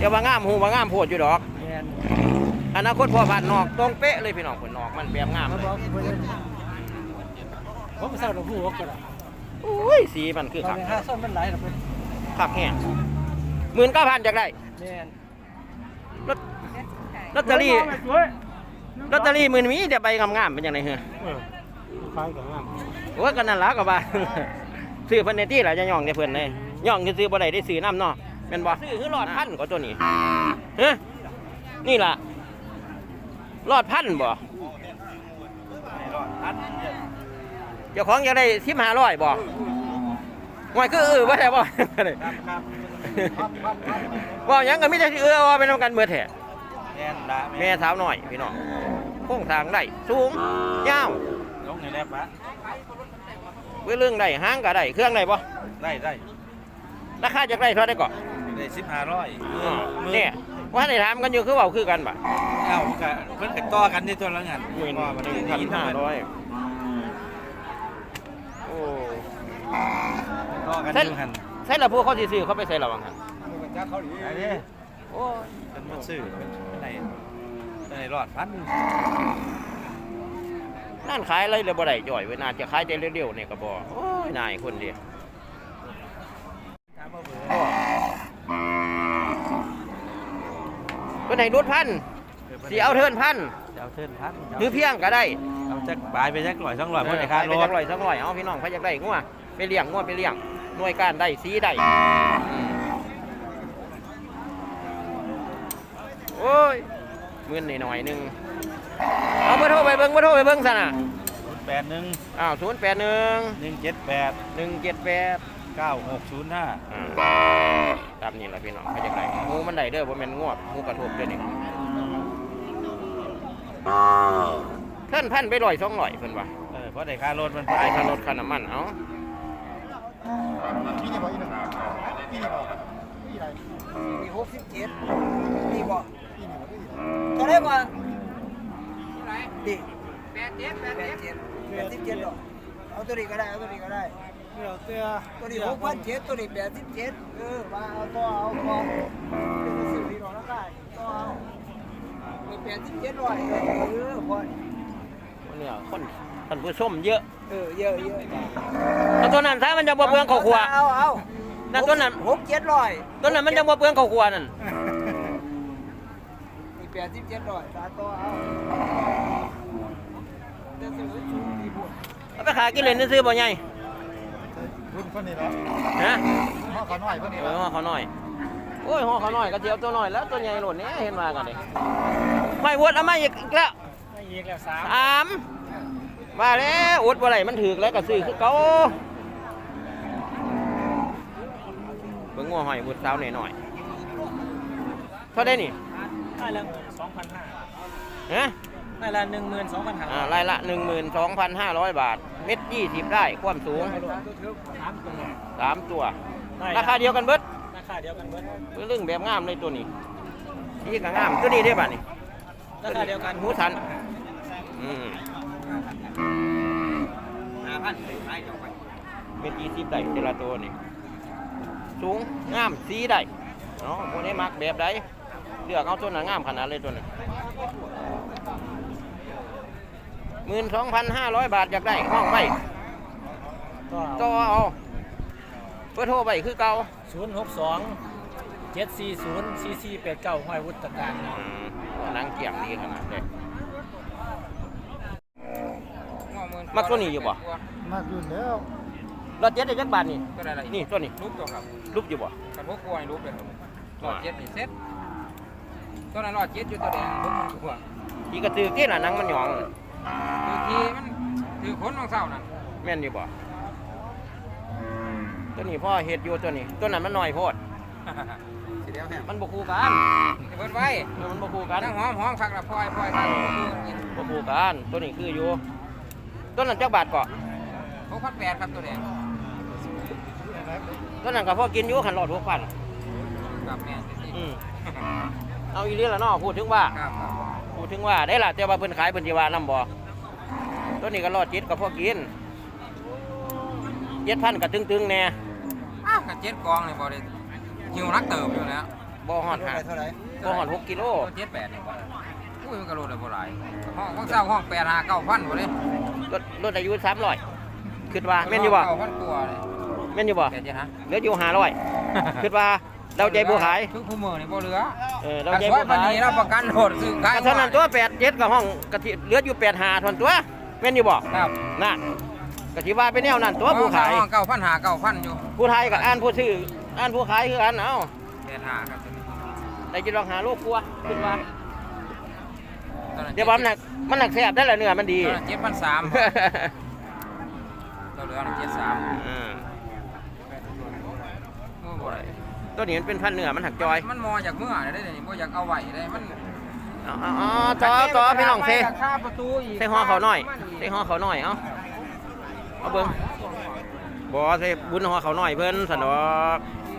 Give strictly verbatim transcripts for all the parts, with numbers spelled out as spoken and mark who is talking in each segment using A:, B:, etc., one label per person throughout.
A: จะว่างามหูว่างามโพดอยู่ดอกอนาคตพอผ่านนอกตรงเป๊ะเลยพี่น้องคนนอกมันแบบงามเลย
B: ผมไม่ทราบหรอกผู้ว่ากัน
A: อุ้ยสีมันคือขัก
B: ห้าส้มมันไหลหรอเพื่อน
A: ขักแห้งหมื่นเก้าพันจากได้รถลอตเตอรี่ลอตเตอรี่หมื่นมีเดี๋ยวไปงามๆเป็นยังไงเหรอ
B: คล้ายกับงาม
A: โอ้ยกันนั่นละกับบ้านซื้อเพิ่นในที่หละจะย่องในเพิ่นเลยย่องซื้อบ่ได้ได้ซื้อน้ำเนาะเป็นบ่ซื้อคือหลอดพันก็ตัวนี้เฮ้นี่ล่ะหลอดพันบ่เจ้าของอยากได้สิบห้าร้อยบ่หวยคือเออว่าแต่บ่บ่ยังก็มีแต่เออว่าเป็นกันเมื่อแท้แม่สาวหน่อยพี่น้องโค้งทางได้สูงยาว
B: ลงในแลบปะ
A: เว้ยเรื่องได้ห้างก็ได้เครื่องได้บ่
B: ได้ได้
A: ราคาจะได้เท่าได้ก่อน
B: ได้สิบห้าร้อย
A: เนี่ยว่าได้ถามกันอยู่คือเบาคือกันบ่
B: เอ้าเพิ่นกันต่อกันในตัวละงาน
A: หมื่นพันห้าร้อยโอ้
B: ต่อกันอยู่หัน
A: ใช่ละพวกเขาซื้อเขาไปใส่ระวังหัน
B: เขาดีไอ้นี่โอ้เป็นมันซื้อในในรอดพัน
A: นั่นขายอะไรเลยบ่ได้จ่อยเวลาจะขายได้เร็วๆเนี่ยก็บ่โอ้ยนายคนเดียวคนไหนรถพันสีเอาเทินพัน
B: เอาเทินพัน
A: หรือเพียงก็ได้
B: เอาจักบายไปจักลอยสองลอยเพราะในค่าร
A: ถไปจักลอยสองลอยเอาพี่น้องเขาอยากได้งัวไปเลี้ยงงัวไปเลี้ยงหน่วยการได้สีได้โอ้ยเงินหน่อยหนึ่งเอาเบอร์โทรไปเบิ้งเบอร์โทรไปเบิ้งซะนะ
B: แปดหนึ่ง
A: อ้าวศูนย์แปดหนึ่ง
B: หนึ่งเจ็ดแปด
A: หนึ่งเจ็ดแปด
B: เก้าหกศูนย์ห้า
A: ตามนี้แหละพี่น้องเขาจะได้งูมันได้เด้อเพราะมันงวดงูกระทบเด้อนี่เท่านพันไปลอยสองลอยเพิ่นว่า
B: เออเพราะได้ค่ารถมัน
A: ได้ค่ารถค่าน้ำมันเอา
C: พี่นี่บอกอีกหนึ่งพี่นี่บอกพี่อะไร
D: มีหกสิบเจ็ดพี่บอก
C: พี่นี่บอกพี่
D: เท่าไรกว่าดิแปดเจ็ดแปดเจ็ดแปดสิบเจ็ดหรอเอาตัวนี้ก็ได้เอาตัวนี้ก็ได้
B: เดี๋ยวเตี้ย
D: ตัวนี้หกพันเจ็ดตัวนี้แปดสิบเจ็ดเออมาเอาตัวเอาตัวเป็นสิบปีหรอกนะได้ตัวเอามีแปดสิบเจ็ดร้อยเออพอ
A: เนี่ยคนท่านผู้ชมเยอะ
D: เออเยอะเยอะ
A: แล้วตัวนั้นถ้ามันจะบ่เปลืองข้าวคั่ว
D: เอาเอา
A: นั่นตัวนั้น
D: หกเจ็ดร้อย
A: ตัวนั้นมันจะบ่เปลืองข้าวคั่วนั่น
D: มีแปดสิบเจ็ดร้อยตาตัวเอา
A: เอาไปขายกินเลยนึกซื้อบ่ใหญ่
C: รุ่นคนนี้เนาะ
A: ฮะ
C: ห่อเขาหน่อยคนนี้
A: เออห่อเขาหน่อยโอ้ยห่อเขาหน่อยกระเทียมตัวหน่อยแล้วตัวใหญ่หล่นนี้เห็นมากันเลยไม่วดเอาไม่อีกแล้ว
B: ไม่อีกแล้วสาม
A: สามมาแล้วอดบ่ไหลมันถือแล้วก็ซื้อคือเก่าเบิ่งงัวหอยบุดสาวหน่อยหน่อยเท่าได้นี่
B: ได้ละสองพันห้า
A: ฮะ
B: ได้ละหนึ่งหมื่นสองพันห้า
A: อ่ารายละหนึ่งหมื่นสองพันห้าร้อยบาทเม็ดยี่สิบได้ความสูงสามตัวราคาเดียวกันเบิด
B: ราคาเดียวกันเบิด
A: เรื่องแบบงามเลยตัวนี้นี่ก็งามตัวนี้ได้ป่ะนี่
B: ราคาเดียวกัน
A: หูสันอืมเม็ดยี่สิบได้แต่ละตัวนี่สูงงามสีได้เนาะพวกนี้มักแบบใดเลือกเอาตัวหนังงามขนาดเลยตัวนี้หมื่นสองพันห้าร้อยบาทอยากได้ห้องไปก็เอาเพื่อโทรไปคือเก่า
B: ศูนย์หกสองเจ็ดสี่ศูนย์สี่สี่แปดเก้าห้อยวุฒิการ
A: นางเกี่ยงดีขนาดเลยมักตัวนี้อยู่บ่
C: มากอยู่แล้ว
A: รถเจ็ดได้จักบาทนี่
D: ตัวอะไร
A: นี่ตัวนี้
D: รูปตัวครับ
A: รูปอยู่บ่
D: กระพกกล้วยรูปเลยครับรอดเจ็ดนี่เซ็ตตัวนั้นรอดเจ็ดอยู่ตัวแดงรูปมันกล้วย
A: ที่กระตือที่น่ะนังมันหยอง
D: คือทีมันถือขนของเสานั่น
A: แม่นอยู่บ่ตัวนี้พ่อเห็ดอยู่ตัวนี้ตัวนั้นมันหน่อยโพดมันบกคู่กัน
D: เปิดไว้
A: มันบกคู่กัน
D: ทั้งหอมหอมฝักละพลอยพลอยกัน
A: บกคู่กันตัวนี้คืออยู่ตัวนั้นจักบาทก่อ
D: หกพันแปดครับตัวแดง
A: ตัวนั้นก็พ่อกินอยู่ขันหลอดหกพัน
D: กับแม่
A: อืมเอาอีเรื่องละเนาะพูดถึงว่าพูดถึงว่าได้ละแต่ว่าเพิ่นขายเพิ่นจีวาน้ำบ่ตัวนี้ก็รอดจิตกับพ่อกินเจ็ดพันกับตึงๆแน่
D: อ้าวกับเจ็ดกองเลยบ่ได้หิวนักเติบอยู่แล้ว
A: บ่ฮอดหา
C: เท่าไหร่
A: บ่ฮอดหกกิโล
E: เจ็ดแปดนี่บ่อุ้ยมันก็โลได้บ่หลายห้องของเศร้าห้องแปดห้าเก้าพันบ่เลย
A: รถรถอายุสามร้อยคิดว่าแม่นอยู่บ่
E: เก้าพันกว่าเลย
A: แม่นอยู่บ่
E: แปดเจ็ดฮะ
A: เหลืออยู่ห้าร้อยคิดว่าเราใจบ่ขาย
E: ทุกผู้มือนี่บ่เหลือ
A: เออเรา
E: เรา
A: ใจ
E: ใจ
A: บ่
E: บ่
A: ขาย
E: นี้เราประกันโหดซื้อขาย
A: ก็เท่านั้นตัวแปดเจ็ดกับห้องกะทิเหลืออยู่แปดห้าทนตัวแม่นอยู่บ่
E: ครับ
A: น่ะกะทิว่าเป็นแนวนั้นตัวผู้ขาย
E: ห้องเก้าพันห้าเก้าพันอยู่
A: ผู้ไทยกับอ่านผู้ซื้ออ่านผู้ขายคือกันเอ้า
E: แปดห้าครับ
A: ได้จิลองหาลูกกลัวคิดว่า
E: ตอนนั้น
A: เดี๋ยวว่ามันหนักมันหนักแซ่บได้ละเนื้อมันดี
E: ตอนนั้นเจ็ดพันสามเราเหลือเจ็ดสาม
A: อืม
E: บ่ได้
A: ตัวนี้มันเป็นพันเนื้อมันหักจอย
E: มันมอจากเมื่อได้นี่บ่อยากเอาไว้ได้มัน
A: อ๋ออ๋อต่อต่อพี่น้องเซ
E: ราคาประตูอีก
A: เซห่อเขาหน่อยเซห่อเขาหน่อยเอ้าเอาเบิ่งบ่เซบุญห่อเขาหน่อยเพิ่นสนอก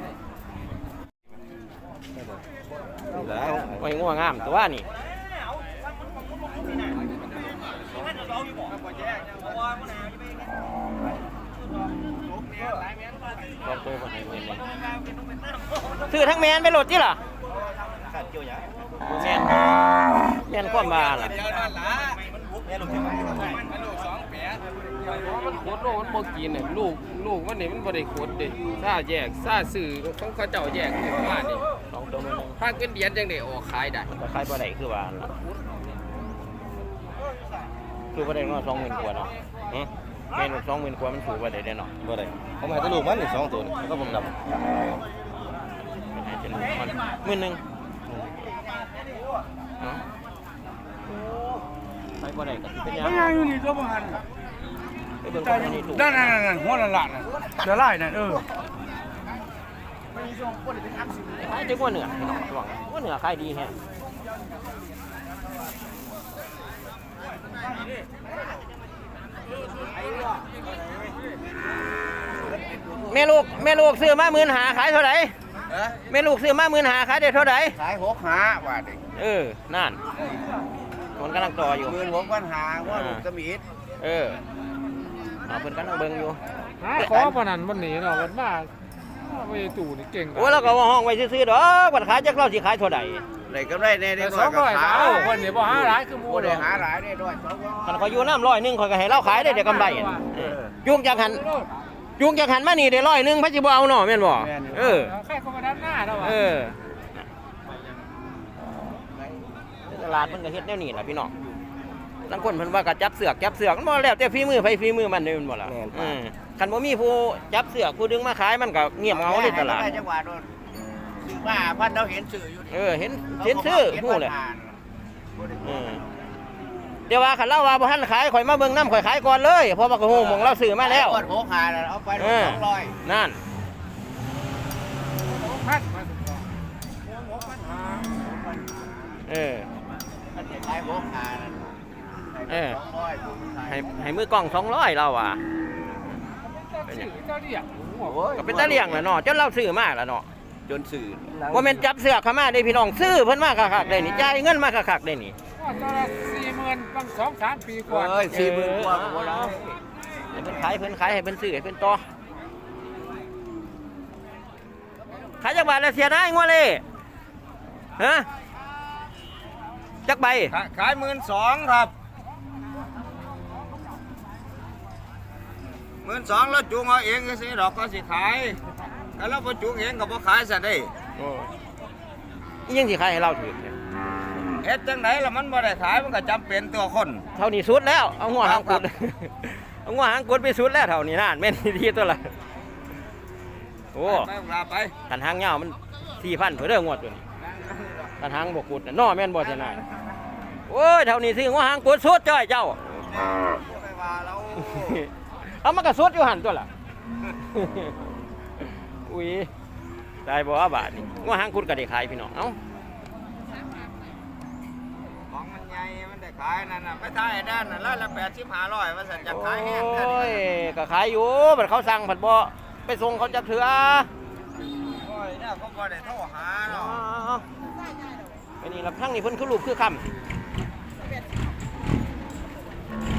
A: แล้วโอ้ยงัวงามตัวนี่ลองตัวก่อนให้เบิ่งเลยซื้อทั้งแมนไปโหลดจิล่ะขาดเกี่ยวหยังแมนแมนความบาล่ะ
F: มันโคตรโลกมันบ่กินน่ะลูกลูกมันนี่มันบ่ได้โคตรเด้ซ่าแยกซ่าซื้อของเขาเจ้าแยกขึ้นมานี่
A: สองตัวนึง
F: ถ้าเกินเดือนจังได้ออกขายได้
A: มันก็ขายบ่ได้คือว่าล่ะคือบ่ได้เนาะสองหมื่นกว่าเนาะหึแม่นสองหมื่นกว่ามันถูกบ่ได้เด้เนาะ
B: บ่ได้ผมให้แตลูกมันนี่สองตัวนี่แล้วก็ผมดำ
A: เป็นมันหมื่นหนึงเนาะขายบ่ได้ก็สิเป็นหยัง
C: ยังอยู่นี่ตัวบ่หัน
A: ไปเบิ่งคนนี้ถูก
C: นั่นๆๆหัวละละน่ะเดี๋ยวไล่นั่นเออ
A: ขายจังว่าเหนือพี่น้องระวังว่าเหนือขายดีแฮะแม่ลูกแม่ลูกซื้อมาหมื่นหาขายเท่าไหร่แม่ลูกซื้อมาหมื่นหาขายได้เท่าไหร่
C: ขายหกหาบาทเอง
A: เออนั่นคนกำลังต่ออยู่
C: หมื่นหกพันหาว่าลูกตะมีด
A: เออเอาเพิ่นกำลังเบิ่งอยู่
F: หาขอปานนั้นมันหนีเนาะมันมาไปตู่นี่เก่ง
A: โอ้แล้วก็ว่าห้องไว้ซื้อๆดอกบัดขายจักเราสิขายเท่าใด
C: ได้กำไรแน่
F: แต่
C: ได้
F: สองร้อยก็เอาคนนี่บ่หาหลายคือหมู่
C: บ่
F: ด
C: ได้
F: อก
C: หาหลายได้ด้วยสองร้อย
A: คันเขาอยู่น้ำร้อยหนึงข่อยก็ให้เราขายได้เดี๋ยวกำไรอะเออยุงจากหันยุงจากหันมานี่ได้ร้อยหนึงพระสิบ่เอาเนาะแม่นบ่เออ
F: แค่คนมาด้านหน้าแล้วว่ะ
A: เออตลาดมันก็เฮ็ดแนวนี้ล่ะพี่น้องบางคนเพิ่นว่าก็จับเสือกจับเสือกมันบ่แล้วแต่ฝีมือไผฝีมือมันเด้แม่นบ่ล่ะเออคันบ่มีผู้จับเสือกผู้ดึงมาขายมันก็เงียบเหงาในตลาด
C: จังหวัดโดนซื้อมาพันเราเห็นสื่ออยู่
A: เออเห็นเห็นซื้อฮู้เลยเออเดี๋ยวว่าคันเราว่าบ่ทันขายข่อยมาเบิ่งน้ำข่อยขายก่อนเลยเพราะว่าก็ฮู้หม่องเราซื้อมาแล้ว
C: กดหกหาแล้วเอาไป
A: เออ
C: สองร้อย
A: นั่น
F: พัน
A: เออ
C: ขายหกหาแล้ว
A: เออ
C: สองร้อย
A: ให้ให้มือกล้องสองร้อยเราอ่ะ
F: ชื่อเจ้าเรียก
A: ก็เป็นตะเลี่ยงแหละเนาะจนเราซื้อมาแล้วเนาะ
C: จนสื่อ
A: ว่าแม่นจับเสือกเข้ามาได้พี่น้องซื้อเพิ่นมาคักๆได้นี่จ่ายเงินมาคักๆได้นี่
F: ว่าตอนละสี่หมื่นบางสองสามปีกว่า
C: เอ้ยสี่หมื่นกว่าก็บ่ได้
A: ให้เพิ่นขายเพิ่นขายให้เพิ่นซื้อให้เพิ่นต่อขายจักบาทแล้วเสียได้งัวเลยฮะจักใบ
E: ขายหมื่นสองครับหมื่นสองแล้วจูงเอาเองก็สิดอกก็สิขายแต่เราพอจูงเองก็บ่ขายซะได้
A: อีหยังสิขายให้เราถือเนี่ย
E: เฮ็ดจังไหนล่ะมันบ่ได้ขายมันก็จำเป็นตัวคน
A: เท่านี้สุดแล้วเอาหัวหางกุดเอาหัวหางกุดไปสุดแล้วเท่านี้นั่นแม่นดีตัวละโอ้
E: ไปลาไป
A: กันหางยาวมันสี่พันเพื่อเรื่องงวดตัวนี้กันหางบกุดน่ะน้อแม่นบ่ชนะโอ้ยเท่านี้สิหัวหางกุดสุดจ้อยเจ้า
E: ไปว่าเรา
A: เอามากระสุดอยู่หันตัวล่ะ อุ้ยได้บ่ว่าบาทนี่หัวหางกุดก็ได้ขายพี่น้องเอ้า
E: ของมันใหญ่มันได้ขายนั่นน่ะไปถ่ายด้านนั่นละละแปดสิบห้าร้อยว่าซั่นจะขายแห้ง
A: โอ
E: แค่นี้
A: ้ยก็ขายอยู่บัดเขาสั่งผัดบ่ไปส่งเขาจักเถื่อ
E: โอ้ยเนี่ยเขาบ่ได้โทรหาเนาะ
A: ไปนี่ลำทั้งนี่เพิ่นคือรูปคือคำ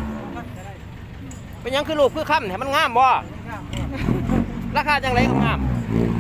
A: เป็นหยังคือรูปคือคำให้มันงามบ่ราคาจังไรก็งาม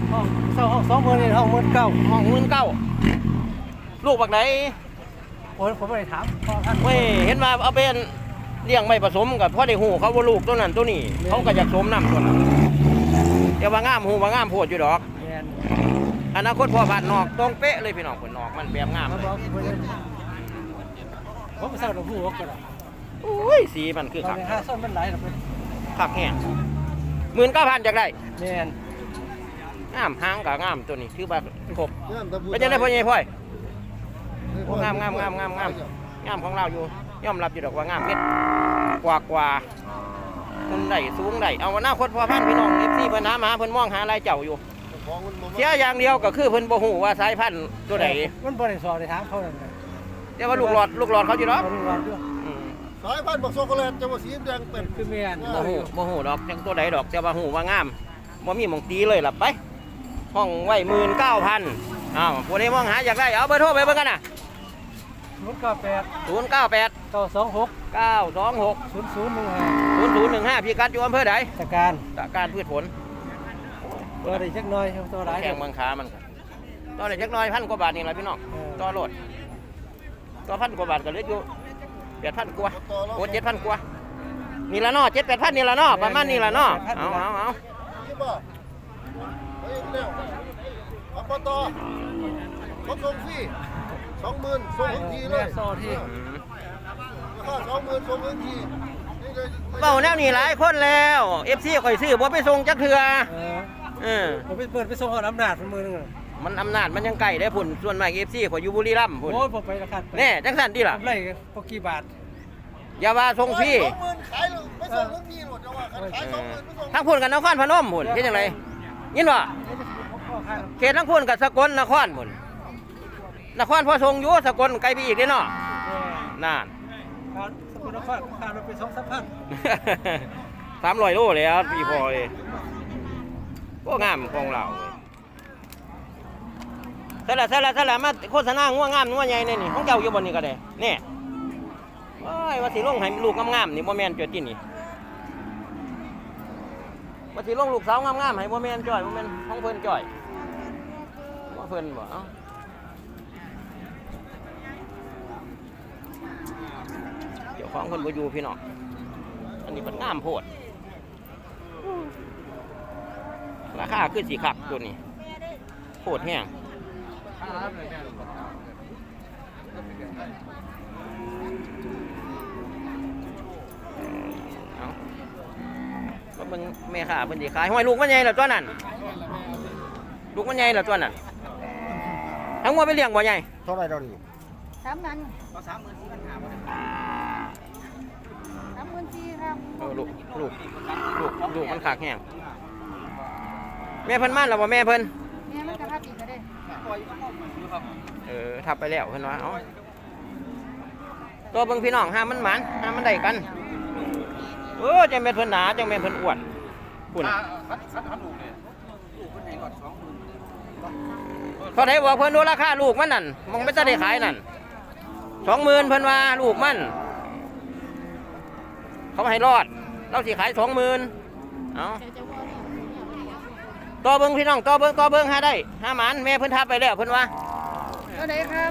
D: ห้องเช่าห้องสองหมื่นนี่ห้องหมื่นเก้า
A: ห้องหมื่นเก้าลูกบักไหน
D: ผมผมไม่ได้ถามพ่อท่าน
A: เว้ยเห็นมาเอาเป็นเลี้ยงไม่ผสมกับพ่อได้หูเขาว่าลูกตัวนั้นตัวนี้เขาก็อยากสมน้ำตัวนั้นเดี๋ยวว่างามหูว่างามโพดอยู่ดอก
D: แมน
A: อนาคตพ่อผ่านนอกตรงเป๊ะเลยพี่น้องคนนอกมันแบบงาม
D: มา
A: เลย
D: บอกผมเลยผมไปเช่าหลวงพ่อก็ได้
A: อุ้ยสีมันคือ
D: ตอ
A: ขั
D: น
A: ก
D: นี้ห้าส้นมันไหลหรอก
A: ขักแห้งหมื่นเก้าพันจากได้
D: แมน
A: งามหางกับงามตัวนี้คือแบบครบเป็นยังไงพ่อใหญ่พ่อยโอ้งามงามงามงามงามงามของเราอยู่ยอมรับอยู่ดอกว่างามเม็ดกว่ากว่าคุณได้สูงได้เอาหน้าคตพ่อพันธุ์พี่น้องเอฟซีเพิ่นหามาเพิ่นมองหาอะไรเจ้าอยู่เสียอย่างเดียวก็คือเพิ่นบ่ฮู้ว่าสายพันธุ์ตัวใด
D: มันบริสุทธิ์ในทางเขาเลย
A: แต่ว่าลูกหลอดลูกหลอดเขาอยู่เนาะ
D: เขาดูร้อนด้วย
A: อืม
C: สายพันธุ์บักโซโกแลตจังหวัดสีแดงเป็น
D: คือแมน
A: บ่ฮู้บ่ฮู้ดอกจังตัวใดดอกแต่ว่าฮู้ว่างามบ่มีหม่องตีเลยล่ะไปห้องไว้ หมื่นเก้าพัน อ้าวผู้ใดมองหาอยากได้เอาเบอร์โทรไปเบิ่งกันน่ะ
D: ศูนย์เก้าแปด
A: ศูนย์ เก้า แปด
D: เก้าสองหก
A: เก้า สอง หก
D: ศูนย์ศูนย์หนึ่งห้า
A: ศูนย์ ศูนย์ หนึ่ง ห้าพี่กัดอยู่อำเภอใด
D: ตะการ
A: ตะการพืชผล
D: ตัวได้จักหน่อยตัวหลาย
A: แข่งบางขามันก็ต่อได้จักหน้อยพันกว่าบาทนี่ล่ะพี่น้องต่อโลดต่อพันกว่าบาทก็เหลืออยู่แปดพันกว่าโอ้เจ็ดพันกว่านี่ละเนาะเจ็ดแปดพันนี่ละเนาะประมาณนี่ละเนาะเอาเอาเอา
C: นี่บ่เฮ้ยเร็วอบตเขาส่งฟรีสองหมื่นส่งทันทีเลย
D: โซ่ที่
A: อืม
C: ราคาสองหมื่นส่งทันทีนี่เลย
A: เบ้าแนวนี้หลายคนแล้วเอฟซีข่อยซื้อบ่ไปส่งจักเทือ
D: เออ
A: เออ
D: ผมไปเปิดไปส่งหอน้ำหนาดมือนึง
A: มันอำนาจมันยังไกลได้พุ่นส่วนมากเอฟซีข่อยอยู่บุรีรัมย์พุ่น
D: โอ้ยผมไปราคา
A: แน่จังสันดีล่ะ
D: ผมไล่พอกี่บาท
A: อย่าว่าส่งฟรี
C: สองหมื่นขายเลยไม่ส่งทันทีหมดจะว่าขายสองหมื่นไม่ส่ง
A: ทั้งพุ่นกับนครพนมพุ่นเฮ็ดจังไดยินบ่เขตทั้งพุ่นกับสกลนครพุ่นนครพอส่งอยู่สกลไกลไปอีกเด้เนาะนั่น
D: การสกุลนครการเราไปสองสามพัน
A: สามร้อยโลแล้วพี่พอยก็งามของเราเสร็จแล้วเสร็จแล้วเสร็จแล้วมาโฆษณางัวงามงัวใหญ่นี่นี่ของเจ้าอยู่บนนี้ก็ได้นี่ว้ายว่าสิลงให้ลูกงามๆนี่บ่แม่นจ่อยตินี่ว่าสิลงลูกสาวงามๆให้บ่แม่นจ่อยบ่แม่นของเพิ่นจ่อยว่าเพิ่นบ่เอ้าเดี๋ยวของเพิ่นบ่อยู่พี่น้องอันนี้เพิ่นงามโพดราคาคือสีขักตัวนี้โคตรแห้งเอาก็เบิ่งแม่ค้าเพิ่นสิขายห้อยลูกมันใหญ่แล้วตัวนั้นลูกมันใหญ่แล้วตัวนั้นทั้งหมดไปเลี้ยงบ่ใหญ่
C: เท่าไหรเราดิ
G: สามพันสามหมื่นสี่พันห้าสามหมื่นสี่ครับ
A: เออลูกลูกลูกลูกมันขากแห้งแม่เพิ่นมาแล้วบ่แม่เพิ่น
G: แม่มันกระทับอีกก็ได้
A: เออทับไปแล้วเพิ่นว่าเอ้าตัวเบิ่งพี่น้องห้ามมันหมันห้ามมันได้กันเออจังแม่นเพิ่นหนาจังแม่นเพิ่นอ้วนพุ่นเท่าไหร่บอกเพิ่นดูราคาลูกมันนั่นมองไม่ทันได้ขายนั่นสองหมื่นเพิ่นว่าลูกมันเขาให้รอดเราสิขายสองหมื่นเอาต่อเบิ้งพี่น้องต่อเบิ้งต่อเบิ้งหาได้หาหมันแม่เพิ่นทับไปแล้วเพิ่นว่า
G: เท่าไหร่ครับ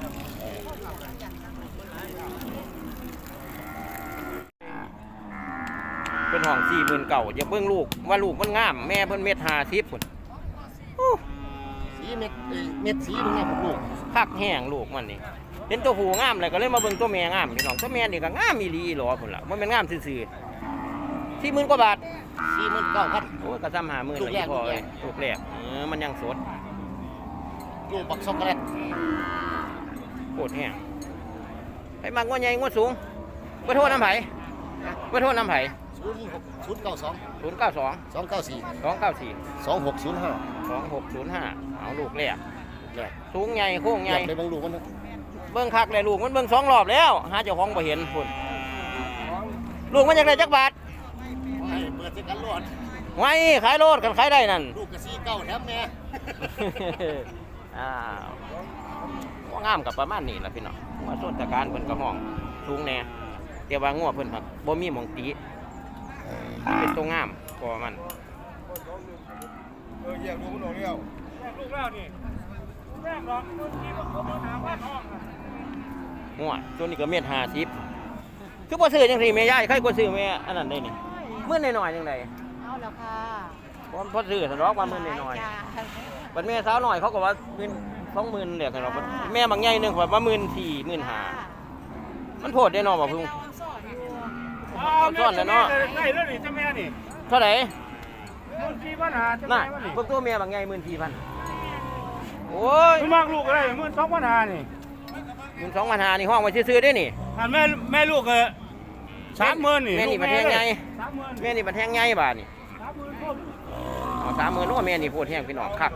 A: เป็นห้องสี่หมื่นเก่าอย่าเบิ้งลูกว่าลูกมันงามแม่เพิ่นเม็ดห้าสิบพุ่นโอ้
C: สีเม็ดเม็ดสีตรงนี้ผมลูก
A: คักแห้งลูกมันนี่เห็นตัวผู้งามเลยก็เลยมาเบิ้งตัวแม่งามพี่น้องตัวแม่นี่ก็งามอีหลีหรอพุ่นล่ะมันเป็นงามซื่อๆสี่หมื่นกว่าบาท
C: สี่หมื่นเก้าพัน
A: โอ้ยกระซ้ำหาหมื่น
C: ลูกแรก
A: พอเลยลูกแรกเออมันยังสด
C: ลูกบักช็อกโกแลต
A: โคตรแห้งไปมากงวดใหญ่งวดสูงเบอร์โทรน้ำไผ่เบอร์โทรน้ำไผ่
C: ศูนย์หกศูนย์เก้าสอง
A: ศูนย์เก้าสอง
C: สองเก้าสี่
A: สองเก้าสี่
C: สองหกศูนย์ห้า
A: สองหกศูนย์ห้าเอาลูกแรก
C: แรก
A: สูงใหญ่โค้งให
C: ใหญ่
A: ญ่
C: ไปบางลูกมันนะ
A: เบิ้งคักเลยลูกมันเบิ้งสองรอบแล้วหาเจ้าของบ่เห็นพุ่นลูกมันจากไหนจักบาท
C: ให้เปิดสิกันรอด
A: ไว้ขายโลดกันขายได้นั่น
C: ลูกกระซีเก้าแถมแม่
A: อ้าวว่างามกับประมาณนี้ล่ะพี่น้องว่าส่วนตะการเพิ่นกระห้องสูงแน่แต่ว่างัวเพิ่นครับบ่มีหม่องตีเป็นตัวงามพอมัน
B: เออแยกดูมันออกแล้วลูกแล้วนี่แม่งหรอกที่มันเขามาหาบ้านห้อง
A: หัวตัวนี้ก็เม็ดห้าสิบคือบ่ซื้อจังซี่แม่ยายใครก็ซื้อแม่อันนั้นได้นี่มื้อน้อยๆจังได๋
G: เอาแล้วค่ะ
A: บ่พอซื้อสะดอกว่ามื้อน้อย
G: จ้า
A: ๆบัดแม่สาวน้อยเขาก็ว่าหมื่นสองหมื่นเด้อคั่นเนาะแม่บางใหญ่นึงว่าหมื่นสี่ หมื่นห้ามันโพดได้เนาะบ่พึ่ง
B: เอาซ่อนแล้วเนาะได้แล้วนี่เจ้าแม่นี่
A: เท่าไหร่
B: มันสี่ปัญหาเจ้า
A: น่ะ
B: แม่นี่
A: พวกตัวแม่บางใหญ่หมื่นสี่พันโอ้ย
B: คุณมากลูกอะไรมันสองปัญหานี่
A: หมื่นสองพันห้านี่ห้องไว้ซื้อๆได้นี่
B: อันแม่แม่ลูกเออสามหมื่นนี่
A: แม่นี่บัดแทงใหญ่
B: สามหมื่น
A: แม่นี่บัดแทงใหญ่บาดนี่
B: สามหมื่นคน
A: เอาสามหมื่นโอ้แม่นี่โพดแห้งพี่น้องคัก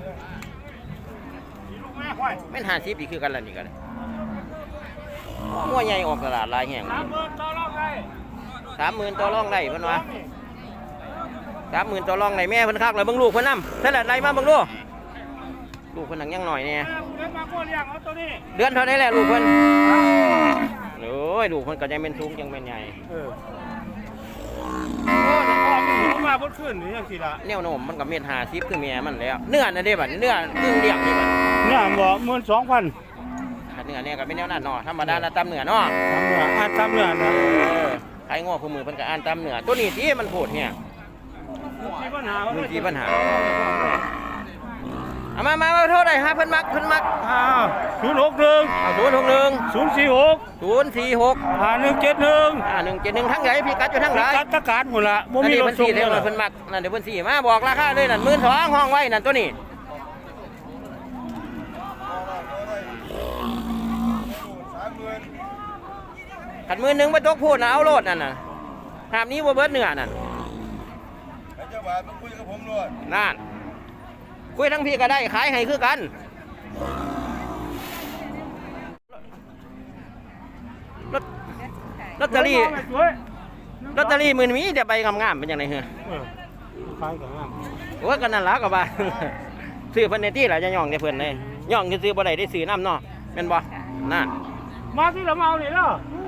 B: ลูกแม่ควาย
A: แม่นห้าสิบอีกคือกันล่ะนี่ก็เลยงัวใหญ่ออกตลาดหลายแห่ง
B: สามหมื่นต่อรองได้
A: สามหมื่นต่อรองได้เพิ่นว่าสามหมื่นต่อรองได้แม่เพิ่นคักแล้วเบิ่งลูกเพิ่นนำเท่าไหร่ไล่มาเบิ่งลูกลูกเพิ่นหนังยังหน่อยแน่
B: แม่เลี้ยงมาโคเลี้ยงเอาตัวนี้
A: เดือนเท่าไหร่แหละลูกเพิ่นโอ้ยลูกเพิ่นก็ยังเป็นสูงยังเป็นใหญ่
B: เออโอ้แต่พ่อมันหิวมาบดขึ้นนี่ยังสิละ
A: แนวโน้มมันก็เม็ดห้าสิบคือแม่มันแล้วเนื้อน่ะเด้บัดเนื้อครึ่งเลี้ยงนี่บัด
B: เนี่ยบอกหมื่นสองพัน
A: ถ้าเนื้อเนี่ยก็เป็นแนวนั้นเนาะธรรมดาละตามเนื้อเนาะ
B: ตำเนื้ออ่านตำเนื้อนะ
A: เออใครง้อคู่มือเพิ่นก็อ่านตามเนื้อตัวนี้ที่มันโพดเนี่ย
B: มีปัญหา
A: มีที่ปัญหาเอามามามาโทษได้ฮะเพิ่นมักเพิ่นมัก
B: อ้าวศูนย์หกหนึ่ง
A: เอาศูนย์หกหนึ่ง
B: ศูนย์สี่หก
A: ศูนย์สี่หก
B: ห้าหนึ่งเจ็ดหนึ่ง
A: อ่าหนึ่งเจ็ดหนึ่งทั้งไหนพี่กัดอยู่ทั้งไหน
B: กัดตะการหมดละบ่
A: นั่น
B: มี
A: นี่
B: ร
A: เพิ่
B: ถ
A: น
B: ส่
A: สี่
B: ง
A: เดียว
B: เล
A: เลย ยเพิ่นมักนั่นเดี๋ยวเพิ่นสี่มาบอกราคาเลยนั่นหมื่นสองห้องไว้นั่นตัวนี้ขัดมือหนึ่งไปตกพูดนะเอาโลดนั่นน่ะหามนี้ว่าเบิดเนื้อนั่น
C: เจ้าบ่าวมาคุยกับผมด้วย
A: นั่นคุยทั้งพี่ก็ได้ขายให้คือกันลอตลอตเตอรี่ลอตเตอรี่มือมีแต่ใบงามๆเป็นยังไงเหรอ
B: เออขายกันงาม
A: โอ้ยก็นั่นล่ะก็ว่า ซื้อเพิ่นในที่ล่ะจะย่องได้เพิ่นเลยย่องซื้อบ่ได้ได้ซื้อน้ำเนาะแม่นบ่นั่น
B: มาที่เรามาเอานี่แล้ว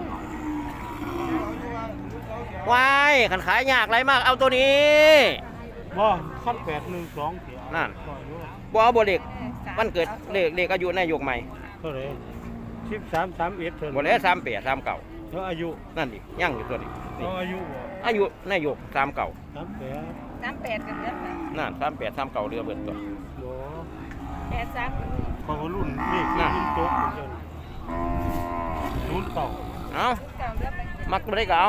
A: วายคันขายยากไรมากเอาตัวนี้
B: บ่ขั้นแปดหนึ่งสองเสีย
A: นั่น
B: ร้อยอยู่
A: บ่เอาบ่เล็กวันเกิดเลขเลขอายุนายกใหม่
B: เท่าไหร่สิบสามสามเอ็ดเท่า
A: บ่แล้วสามแปดสามเก้า
B: แล้วอายุ
A: นั่นดิย่างอยู่ตัวนี้นี่
B: เอาอายุบ่
A: อายุนายกสามเก้า
B: สามแปด
G: น้ำแปดกันเดือนละ
A: นั่นสามแปดสามเก้าเรือเบิดตัว
B: บ่
G: แปดสาม
B: เขาก็รุ่นนี่คือ
A: น่ะ
B: รุ่นโต๊ะเหมือนกันรุ่นเก่า
A: เอา
G: เก่าเดือนละ
A: มักบ่ได้ก็เอา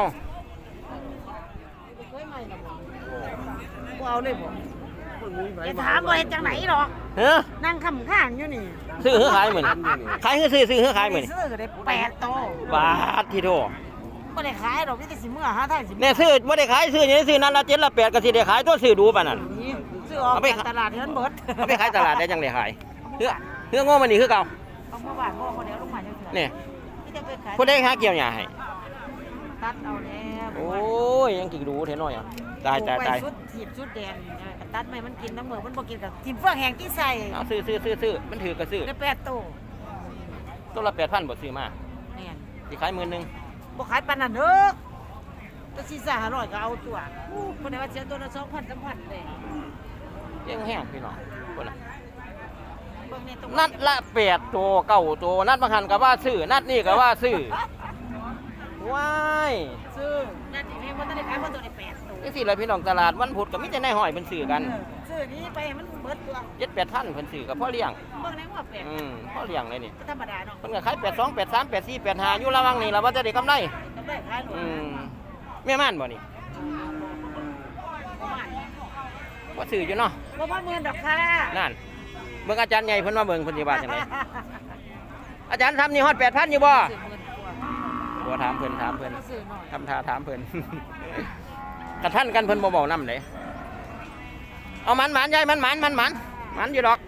G: เคยใหม่ละบ่
D: กูเอาเลยบ่
G: จะถามว่าเฮ็ดจังไหนหรอก
A: เฮ้อ
G: นั่งคำข้างอยู่นี่
A: ซื้อหือขายมื้อนี้ขายหือซื้อซื้อหือขายมื้อนี้
G: ซื้อก็ได้แปดโต
A: บาทที่โท
G: บ่ได้ขายดอกนี่แต่สิเมื่อหาทางสิ
A: เนี่ยซื้อบ่ได้ขายซื้ออย่างนี้ซื้อนั่นละเจ็ดละแปดก็สิได้ขายตัวซื้อดูปานนั้น
G: นี่ซื้อออก
A: เอาไป
G: จากตลาดเฮือนเบิด
A: เอาไปขายตลาดได้จังได้ขายเฮือเฮือโง่มันนี่คือเก่า
G: เอามาบ้านพ่อคนเดียวลงมาจังซี่
A: นี่
G: ที่จะไปขาย
A: ผู้ใดหาเกี่ยวหญ้าให้
G: ตัดเอาแล้ว
A: โอ้ยยังกี่ดูเท่น้อยอ่ะตายตายตาย
G: ปลูกไว้ชุดถีบชุดแดงเออก็ตัดไม่มันกินน้ำเหมือกมันบ่กินกับทิมเฟืองแห้งที่ใส่
A: เอาซื้อซื้อซื้อซื้อมันถือก็ซื้อ
G: ได้แปดโต
A: ตัวละแปดพันบ่ซื้อมา
G: แม่น
A: สิขายหมื่นหนึง
G: บ่ขายปานนั้นเด้อตัวสี่สามห้าร้อยก็เอาตัวอู้คนไหนว่าเสียตัวละสองพันสามพันเลย
A: เลี้ยังแห้งพี่น้องคนน่ะ
G: เบิ่งในตรง
A: นัดละแปดตัวเก้าตัวนัดบางหันก็ว่าซื้อนัดนี่ก็ว่าซื้อว้าย
G: ซื้อนั่นนี่ให้บ่ทันได้ขายบ่ตัวได้แปดตัว
A: นี่สิเลยพี่น้องตลาดวันพุธก็มีแต่นายห้อยเพิ่นซื้อกัน
G: ซื้อนี้ไปให้มันเบิดตัว
A: เจ็ดแปดพันเพิ่นซื้อกับพ่อเลี้ยง
G: เบิ่งในว่าแปด
A: อืมพ่อเลี้ยงเลยนี่
G: ก็ธรรมดาเนาะ
A: เพิ่นก็ขายแปดสองแปดสามแปดสี่แปดห้าอยู่ระหวังนี่ล่ะว่าจะได้กำไร
G: กำไรขายหมด
A: อืมแม่ม่านบ่นี่
G: ประมาณ
A: ว่าซื้ออยู่เนาะ
G: บ่พอหมื่นดอกค่ะ
A: นั่นเบิ่งอาจารย์ใหญ่เพิ่นมาเบิ่งเพิ่นสิว่าจังไดอาจารย์ทำนี่ฮอดแปดพันอยู่บ่
G: ซื้อหมื่นกว่า
A: บ่ถามเพิ่นถามเพิ่น
G: ซื้อหน่อย
A: ทำท่าถามเพิ่น กระท่านกันเพิ่นบ่เว้านำเลยเอามันหมานยายมันหมานมันหมานหมานอยู่ดอก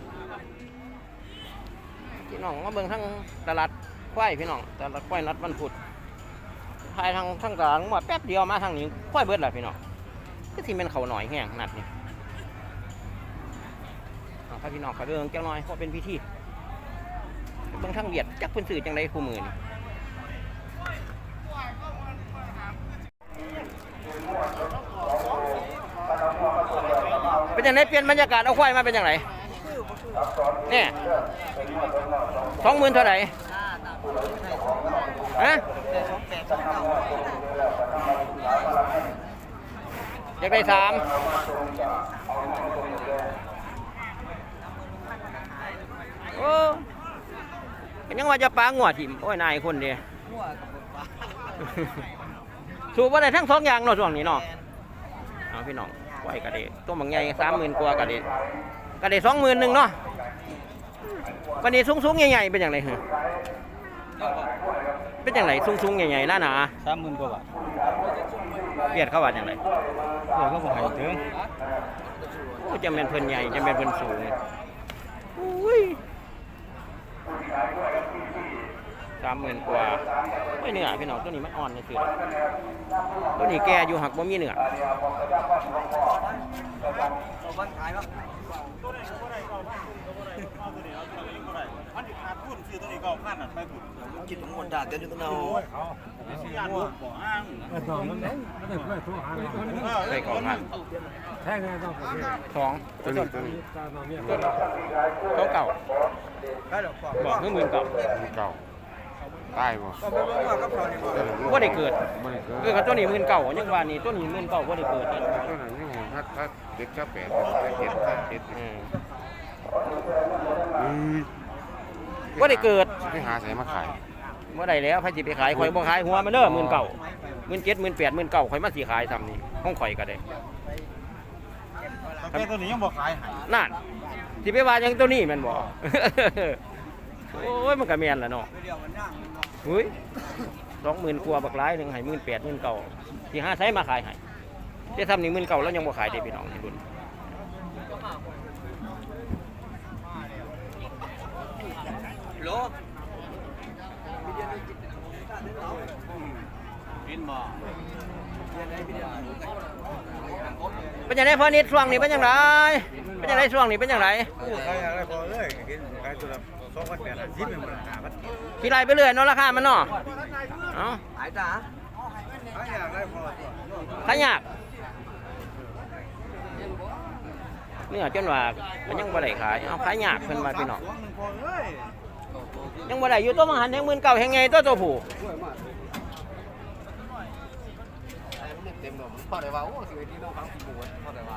A: พี่น้องมาเบิ่งทั้งตลาดควายพี่น้องตลาดควายนัดวันพุธภายทางทางตลาดมาแป๊บเดียวมาทางนี้ควายเบิดแล้วพี่น้องคือสิแม่นเขาหน่อยแห้งนัดนี่เอาครับพี่น้องขอเบิ่งจังหน่อยเพราะเป็นพิธีเบิ่งทางเวียดจักเพิ่นซื้อจังไดคู่มือนี่เป็นจังไดเปลี่ยนบรรยากาศเอาควายมาเป็นจังไดเนี่ยสองหมื่นเท่าไหร่ฮะอยากได้สามโอ้ก็ยังว่าจะปลางัวถิ่มโอ้ยนายคนเดียวสูบว่าได้ทั้งสองอย่างเนาะช่วงนี้เนาะเอาพี่น้องไหวกระเดตัวบางใหญ่สามหมื่นกว่ากระเดกระเดสองหมื่นหนึ่งเนาะกระเดสูงสูงๆใหญ่ๆเป็นอย่างไรเหรอเป็นอย่างไรสูงสูงๆใหญ่ๆหน้าหนา
B: สามหมื่นกว่าบาท
A: เบียดเข้าว่าอย่างไร
B: เดี๋ยวก็บอกให้ถึง
A: โอ้จะเป็นเพิ่นใหญ่จะเป็นเพิ่นสูงอุ้ยสามหมื่นกว่าไม่เหนือพี่น้องตัวนี้มันอ่อนเลยคือตัวนี้แกอยู่หักบ่มีเหนือ
D: กินหมดด่าเดี๋ยวจะเอา
A: ไปก่อนครับสองตัวนี้ตัวนี้สองเก่าบอกเมื่อหมื่นเก่า
F: เก่าตายบ่
A: ว่าได้เกิด
F: บ่ได้เกิด
A: เออกับตัวนี้หมื่นเก่ายังว่านี่ตัวนี้หมื่นเก่าว่าได้เกิดนี่
F: ตัวนั้นยังถ้าถ้าเด็กถ้าแปดถ้าเจ็ดถ้าเจ็ด
A: อืม
F: อืม
A: ว่าได้เกิด
F: ไปหาใส่มาขาย
A: ว่าได้แล้วใครสิไปขายข่อยบ่ขายหัวมันเด้อหมื่นเก่าหมื่นเจ็ดหมื่นแปดหมื่นเก่าข่อยมาสิขายทำนี่ห้องข่อยก็ได้
B: แต่ตัวนี้ยังบอกขายให้
A: นั่นสิไปว่าจังตัวนี้แม่นบ่ โอ้ยมันก็แม่นล่ะเนาะเฮ้ยสองหมื่นกว่าบักหลายหนึงให้หมื่นแปดหมื่นเก่าสิหาใช้มาขายให้แต่ทำนี่หมื่นเก่าแล้วยังบ่ขายเด้พี่น้องที่รุ่น
D: โล
A: เป็นยังไงพ่อนิดช่วงนี้เป็นยังไงเป็นยังไงช่วงนี้เป็นยังไง
B: ขายอะไรพอเลยขายตัวละสองพันแปดสิบเป็นมูลค่าพัน
A: ขี่ไล่ไปเรื่อยเนาะราคามันเนาะเอ้า
D: หายจ้า
B: ขายอะไรพอ
A: ขายยากเนี่ยจนว่ามันยังบ่ได้ขายเอาขายยากเพิ่นว่าพี่น้อง
B: สองหนึ่งพอเลย
A: ยังบ่ได้อยู่ตัวมังหันแห่งหมื่นเก่าแห่งไงตัวตัวผู้
D: เต็มหมดพอได้ว่าโอ้สิที่น้องฟังผีหมูพอได้ว่า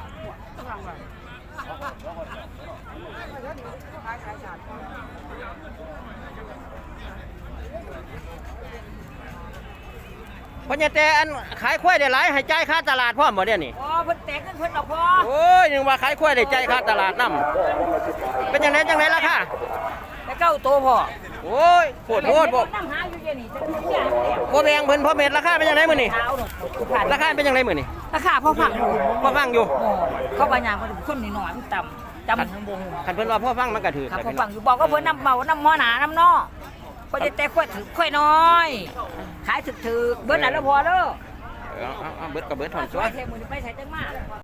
A: เพราะเนี่ยแต่อันขายควายได้หลายให้จ่ายค่าตลาดพร้อมบ่เดี๋ยวนี้
G: อ๋อเพิ่นแตกกันเพิ่นดอกพอ
A: โอ้ยยังว่าขายควายได้จ่ายค่าตลาดนำเป็นจังไดจังไดราคา
G: แต่เก้าโตพอ
A: โอ้ยโคตรโคตรบ่
G: นั่งหาอยู่เดี๋ยวนี้จะเสีย
A: บ่แพงเพิ่นพอเม็ดราคาเป็นจังไดมื้อนี้
G: เท้าเนาะผ่าน
A: ราคาเป็นจังไดมื้อนี้
G: ราคาพอผักอยู่
A: พอฟังอยู่
G: โอ้เขาบางอย่างมันคนนิดหน่อยมันต่ำจำบ่ฮู้
A: คันเพิ่นว่าพอฟังมันก็ถือ
G: ครับ
A: แต่
G: พอ
A: พี่น้
G: ฟั
A: อง
G: งอยู่บอกว่าเพิ่นนำเบานำหมอหนาน้ำนอเพิ่นจะแต่ค่อยถือค่อยน้อย ขายถึกๆเบิดน่ะแล้วพอเด้อ
A: เอาเอาเอาเบิดก็เบิดถอน
G: ส
A: ตัว
G: วยเทมือนี่ไปใส่จังมา